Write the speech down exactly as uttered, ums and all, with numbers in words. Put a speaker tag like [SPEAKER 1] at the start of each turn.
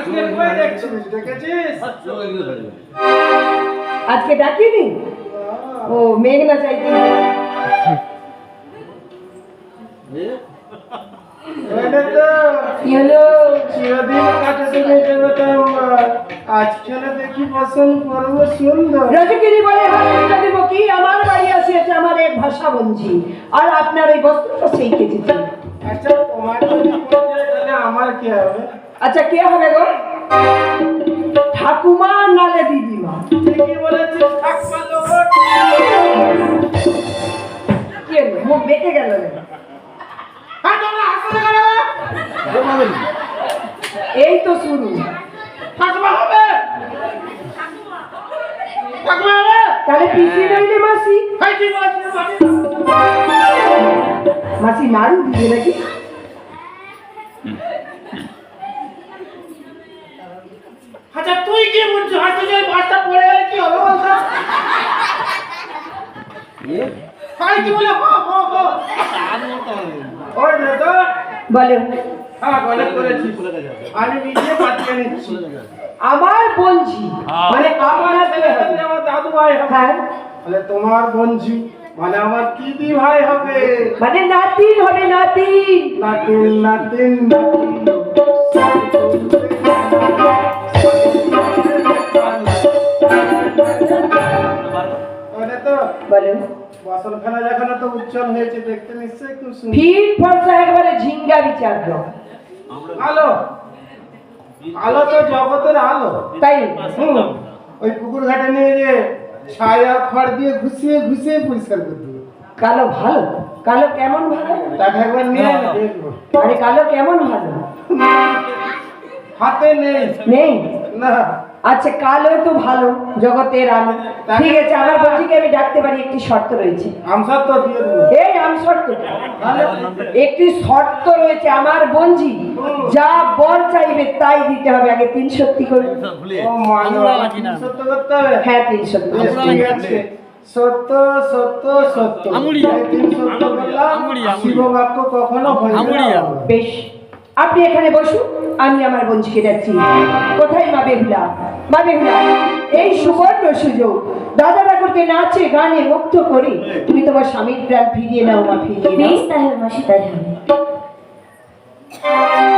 [SPEAKER 1] আজকে কই দেখছিস দেখেছিস
[SPEAKER 2] আজকে ডাকিনি ও মেঘনা চাইতে
[SPEAKER 1] এটা তো
[SPEAKER 2] কি হলো
[SPEAKER 1] চিরদিন কাটাতে যেতাম আজকে দেখি পছন্দ করবো সুন্দর
[SPEAKER 2] রজকিনী বলে হাতটা দেবো কি আমার বাড়ি আসিয়াছে আমার এক ভাষা বঞ্জি আর আপনার এই বস্ত্রটা সেই কেজিতে
[SPEAKER 1] আচ্ছা তোমার যদি পড়ে তাহলে আমার কি হবে
[SPEAKER 2] আচ্ছা কে হবে গো ঠাকুমা নালে দিদিমা
[SPEAKER 1] ঠিকই বলেছিস ঠাকুমা লোক
[SPEAKER 2] কি হলো মুখ বেঁকে গেল রে
[SPEAKER 1] হ্যাঁ তোমরা হাসতে কেন
[SPEAKER 2] এই তো শুরু
[SPEAKER 1] ঠাকুমা হবে ঠাকুমা হবে
[SPEAKER 2] তাহলে পিছিয়ে রইলে মাসি
[SPEAKER 1] হ্যাঁ কি বলেছিস
[SPEAKER 2] মাসি নাড়ু দিবে নাকি
[SPEAKER 1] আচ্ছা তুই কি বলছিস হয়তো যে ভাষা পড়ে গেলে কি হবে বলতো হ্যাঁ কি বলে হো হো হো ওই না তো
[SPEAKER 2] বলে
[SPEAKER 1] হ্যাঁ বলে করেছি আমি নিজে পাঠিয়ে নিচ্ছি
[SPEAKER 2] আমার বঞ্জি মানে আপনার কে হবে?
[SPEAKER 1] আমার দাদু ভাই হবে
[SPEAKER 2] হ্যাঁ
[SPEAKER 1] তাহলে তোমার বঞ্জি মানে আমার কি দি ভাই হবে
[SPEAKER 2] মানে নাতিন হবে নাতিন
[SPEAKER 1] নাতিন নাতিন ওটা তো
[SPEAKER 2] বলে
[SPEAKER 1] বাসনখানা যেখানে তো উজ্জ্বল হয়েছে দেখতে নিশ্চয়ই খুব সুন্দর
[SPEAKER 2] ভিড় ফর্সা একবারে ঝিঙ্গা বিচার
[SPEAKER 1] আলো আলো তো জগতের আলো
[SPEAKER 2] তাই
[SPEAKER 1] হুম, ওই পুকুর ঘাটে নিয়ে যে ছায়া খড় দিয়ে ঘুষিয়ে ঘুষিয়ে পরিষ্কার করে দেবো
[SPEAKER 2] কালো ভালো কালো কেমন ভালো
[SPEAKER 1] তাকে একবার নিয়ে দেখবো
[SPEAKER 2] আরে কালো কেমন ভালো
[SPEAKER 1] হাতে নেই
[SPEAKER 2] নেই
[SPEAKER 1] না
[SPEAKER 2] আচ্ছা কালো তো ভালো জগতের আলো ঠিক আছে আমার বঞ্জিকে আমি ডাকতে পারি একটি শর্ত রয়েছে
[SPEAKER 1] আমসার তো দিয়ে দেবো
[SPEAKER 2] এই আম শর্ত একটি শর্ত রয়েছে আমার বঞ্জি যা বর চাইবে তাই দিতে হবে আগে তিন সত্যি করে
[SPEAKER 1] ও মানে সত্য করতে হবে
[SPEAKER 2] হ্যাঁ তিন সত্যি
[SPEAKER 1] বেশ, ঠিক আছে সত্য সত্য সত্য এই তিন সত্য বললাম শিব বাক্য কখনো হয় না
[SPEAKER 2] বেশ আপনি এখানে বসুন আমি আমার বঞ্জিকে ডাকছি কোথায় মা বেহুলা মা বেহুলা এই সুবর্ণ সুযোগ দাদা ঠাকুরকে নাচে গানে মুক্ত করে তুমি তোমার স্বামীর প্রাণ ফিরিয়ে নাও মা ফিরিয়ে নাও
[SPEAKER 3] বেশ তাহলে মাসি তাই হবে।